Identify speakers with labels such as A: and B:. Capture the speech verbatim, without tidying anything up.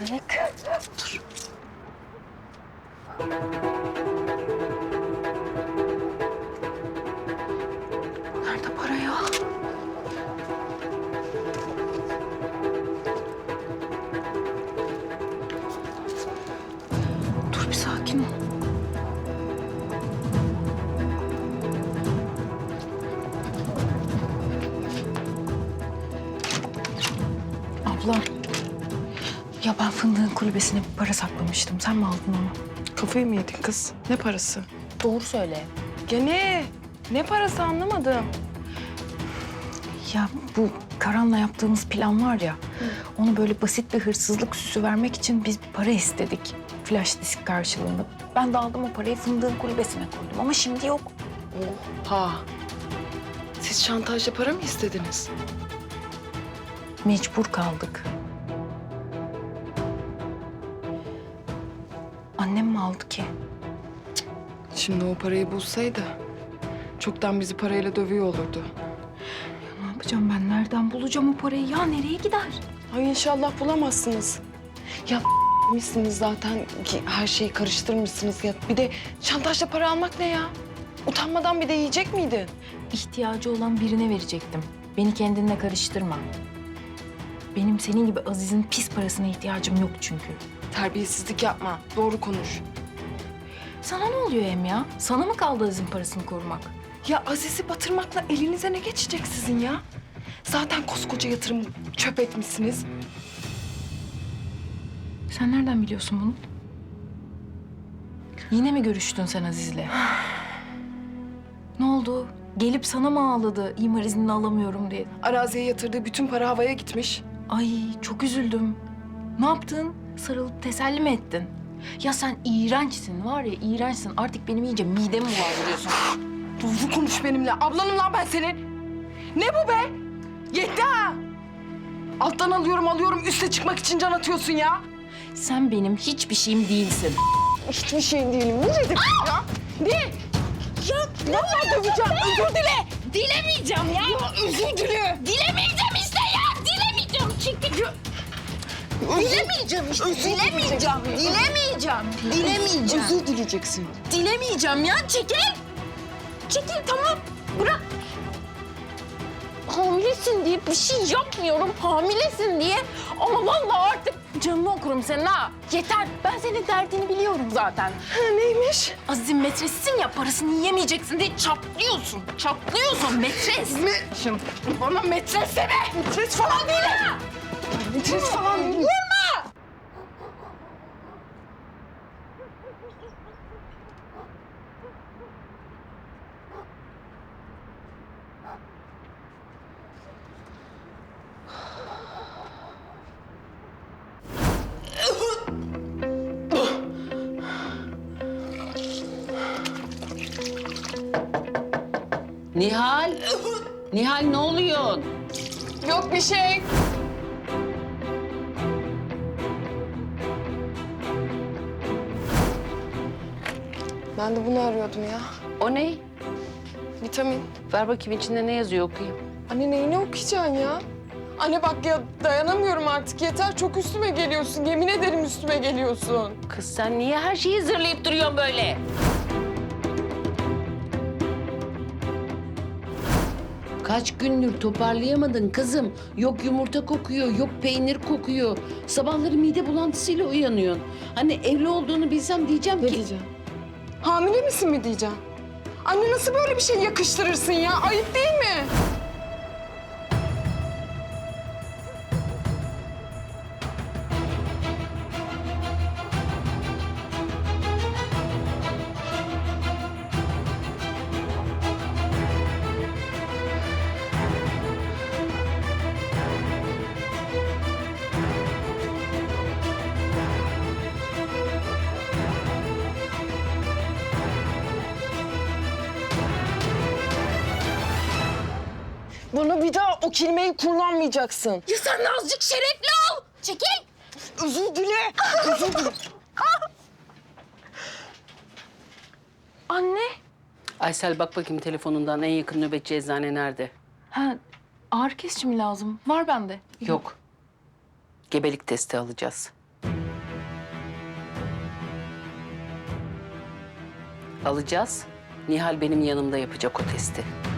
A: Melek. Dur. Nerede para ya? Dur bir sakin ol. Abla. Ya ben fındığın kulübesine bir para saklamıştım. Sen mi aldın onu?
B: Kafayı mı yedin kız? Ne parası?
A: Doğru söyle.
B: Ya ne? Ne parası anlamadım.
A: Ya bu Karan'la yaptığımız plan var ya, onu böyle basit bir hırsızlık süsü vermek için biz bir para istedik. Flash disk karşılığında. Ben de aldım o parayı fındığın kulübesine koydum ama şimdi yok.
B: Oha. Siz şantajla para mı istediniz?
A: Mecbur kaldık. Annem mi aldı ki?
B: Şimdi o parayı bulsaydı çoktan bizi parayla dövüyor olurdu.
A: Ne yapacağım ben? Nereden bulacağım o parayı? Ya nereye gider?
B: Ay inşallah bulamazsınız. Ya misiniz zaten ki her şeyi karıştırmışsınız ya. Bir de şantajla para almak ne ya? Utanmadan bir de yiyecek miydin?
A: İhtiyacı olan birine verecektim. Beni kendinle karıştırma. Benim senin gibi Aziz'in pis parasına ihtiyacım yok çünkü.
B: Terbiyesizlik yapma. Doğru konuş.
A: Sana ne oluyor Em ya? Sana mı kaldı Aziz'in parasını korumak?
B: Ya Aziz'i batırmakla elinize ne geçecek sizin ya? Zaten koskoca yatırım çöp etmişsiniz.
A: Sen nereden biliyorsun bunu? Yine mi görüştün sen Aziz'le? Ne oldu? Gelip sana mı ağladı imar iznini alamıyorum diye?
B: Araziye yatırdığı bütün para havaya gitmiş.
A: Ay çok üzüldüm. Ne yaptın? Sarılıp teselli mi ettin? Ya sen iğrençsin var ya iğrençsin. Artık benim iyice midemi bulandırıyorsun.
B: Doğru konuş benimle. Ablanım lan ben senin. Ne bu be? Yetti ha. Alttan alıyorum alıyorum üste çıkmak için can atıyorsun ya.
A: Sen benim hiçbir şeyim değilsin.
B: Hiçbir şeyin değilim. Ne dedim ya? Ne? Ya vallahi döveceğim. Özür dile.
A: Dilemeyeceğim ya.
B: Ya özür dile.
A: Dilemeyeceğim işte ya. Dilemeyeceğim. Çekil. Dilemeyeceğim işte. Dilemeyeceğim. Dilemeyeceğim. Dilemeyeceğim.
B: Özür dileyeceksin.
A: Dilemeyeceğim ya. Çekil. Çekil tamam. Bırak. Hamilesin diye bir şey yapmıyorum. Hamilesin diye. Ama vallahi artık canını okurum senin ha. Yeter. Ben senin derdini biliyorum zaten.
B: Ha, neymiş?
A: Aziz'in metresisin ya parasını yiyemeyeceksin diye çatlıyorsun. Çatlıyorsun metres.
B: Me Şimdi bana metres deme. Metres falan değilim. Metres falan değilim.
A: Vurma!
C: Nihal! Nihal ne oluyor?
B: Yok bir şey. Ben de bunu arıyordum ya.
C: O ne?
B: Vitamin.
C: Ver bakayım içinde ne yazıyor okuyayım.
B: Anne neyini okuyacaksın ya? Anne bak ya dayanamıyorum artık yeter. Çok üstüme geliyorsun. Yemin ederim üstüme geliyorsun.
C: Kız sen niye her şeyi zırlayıp duruyorsun böyle? Kaç gündür toparlayamadın kızım. Yok yumurta kokuyor, yok peynir kokuyor. Sabahları mide bulantısıyla uyanıyorsun. Hani evli olduğunu bilsem diyeceğim
B: Ne
C: ki...
B: diyeceğim? Hamile misin mi diyeceğim? Anne nasıl böyle bir şey yakıştırırsın ya? Ayıp değil mi? Bana bir daha o kelimeyi kullanmayacaksın.
A: Ya sen de azıcık şerefli ol. Çekil.
B: Özür dile. Özür dile.
A: Anne.
C: Aysel bak bakayım telefonundan en yakın nöbetçi eczane nerede?
A: Ha, ağrı kesici mi lazım? Var bende.
C: Yok. Gebelik testi alacağız. Alacağız. Nihal benim yanımda yapacak o testi.